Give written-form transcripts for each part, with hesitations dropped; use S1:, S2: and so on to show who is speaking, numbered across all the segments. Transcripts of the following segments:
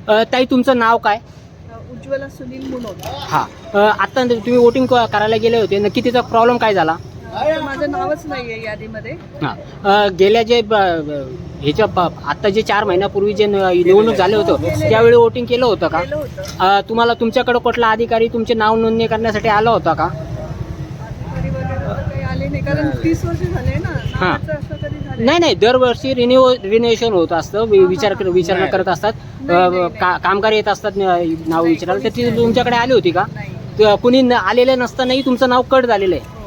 S1: ताई तुमचं नाव काय?
S2: उज्ज्वला सुनील मुनोत.
S1: हां. आता तुम्ही वोटिंग करायला गेले होते, नक्की तिचा प्रॉब्लेम काय झाला?
S2: माझं नावच नाही आहे यादीमध्ये.
S1: हां. गेल्या जे आता जे 4 महिन्यापूर्वी जे निवडणूक झाले होतं त्यावेळी वोटिंग केलं होतं का?
S2: केलं होतं.
S1: तुम्हाला तुमच्याकडे कुठला अधिकारी तुमचे नाव नोंदणी करण्यासाठी आला होता का?
S2: अधिकारी वगैरे तर काही आले नाही, कारण 30 वर्ष झाले ना. नावाचं असं कधी झालं
S1: नाही नाही, दरवर्षी रिन्युएशन होत असतं, विचारणा करत असतात, कामगार येत असतात नाव विचारायला. तर ती तुमच्याकडे आली होती का?
S2: नाही.
S1: कुणी आलेलं नसतानाही तुमचं नाव कट झालेलं आहे.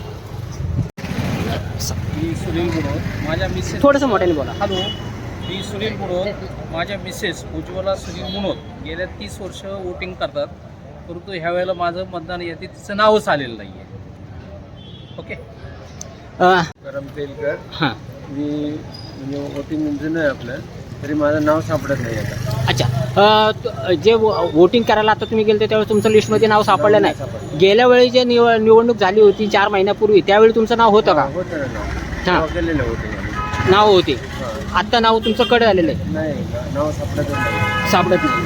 S3: मी सुनील मुनोत, माझ्या मिसेस.
S1: थोडंसं मोठ्याने बोला.
S3: हॅलो, मी सुनील मुनोत, माझ्या मिसेस उज्ज्वला सुनील मुनोत गेल्या 30 वर्ष वोटिंग करतात, परंतु ह्या वेळेला माझं मतदान यादीत तिचं नावच आलेलं नाही आहे. ओके.
S4: गरम तेलकर.
S1: हां.
S4: मी म्हणजे वोटिंग जुनं आहे आपलं, तरी माझं नाव सापडत नाही आता.
S1: अच्छा. जे वोटिंग करायला आता तुम्ही गेले त्यावेळी तुमचं लिस्टमध्ये नाव सापडलं नाही. गेल्या वेळी जे निवडणूक झाली होती 4 महिन्यापूर्वी त्यावेळी तुमचं नाव होतं का?
S4: होतं ना नाव.
S1: हां.
S4: नाव केलेलं होतं.
S1: नाव होते.
S4: हां.
S1: आत्ता नाव तुमचं कट झालेलं आहे,
S4: नाही, नाव सापडतच नाही.
S1: सापडत नाही.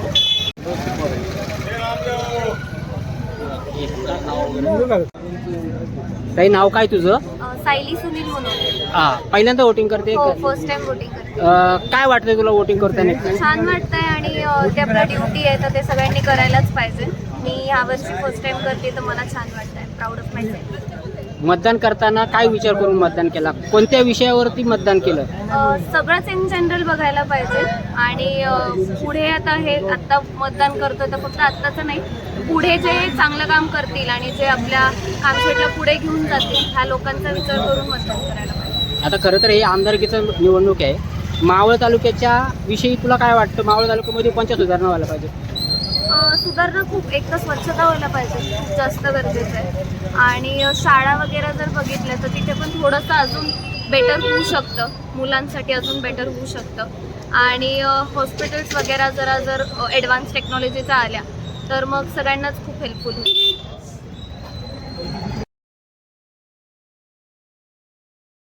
S1: काही नाव काय तुझं?
S5: सायली सुनील म्हणून.
S1: हां. पहिल्यांदा वोटिंग करते?
S5: हो, फर्स्ट टाइम वोटिंग करते.
S1: काय वाटतंय तुला वोटिंग करताना?
S5: छान वाटतंय आणि ते आपलं ड्युटी आहे तर ते सगळ्यांनी करायलाच पाहिजे. मी यावर्षी फर्स्ट टाइम करते तर मला छान वाटतंय, प्राऊड ऑफ माय सेल्फ.
S1: मतदान करताना काय विचार करून मतदान केला? कोणत्या विषयावरती मतदान केलं?
S5: सगळंच इन जनरल बघायला पाहिजे आणि पुढे आता मतदान करतो तर फक्त आत्ताचं नाही, पुढे जे चांगलं काम करतील आणि जे आपल्या कामशेटला पुढे घेऊन जातील ह्या लोकांचा विचार करून मतदान करायला पाहिजे.
S1: आता खरं तर हे आमदारकीचं निवडणूक आहे. मावळ तालुक्याच्या विषयी तुला काय वाटतं? मावळ तालुक्यामध्ये कोणत्या सुधारणा व्हायला पाहिजे?
S5: सुधारणा खूप, एक तर स्वच्छता व्हायला पाहिजे, खूप जास्त गरजेचं आहे. आणि शाळा वगैरे जर बघितल्या तर तिथे पण थोडंसं अजून बेटर होऊ शकतं, मुलांसाठी अजून बेटर होऊ शकतं. आणि हॉस्पिटल्स वगैरे जर ॲडव्हान्स टेक्नॉलॉजीच्या आल्या तर मग सगळ्यांनाच खूप हेल्पफुल होईल.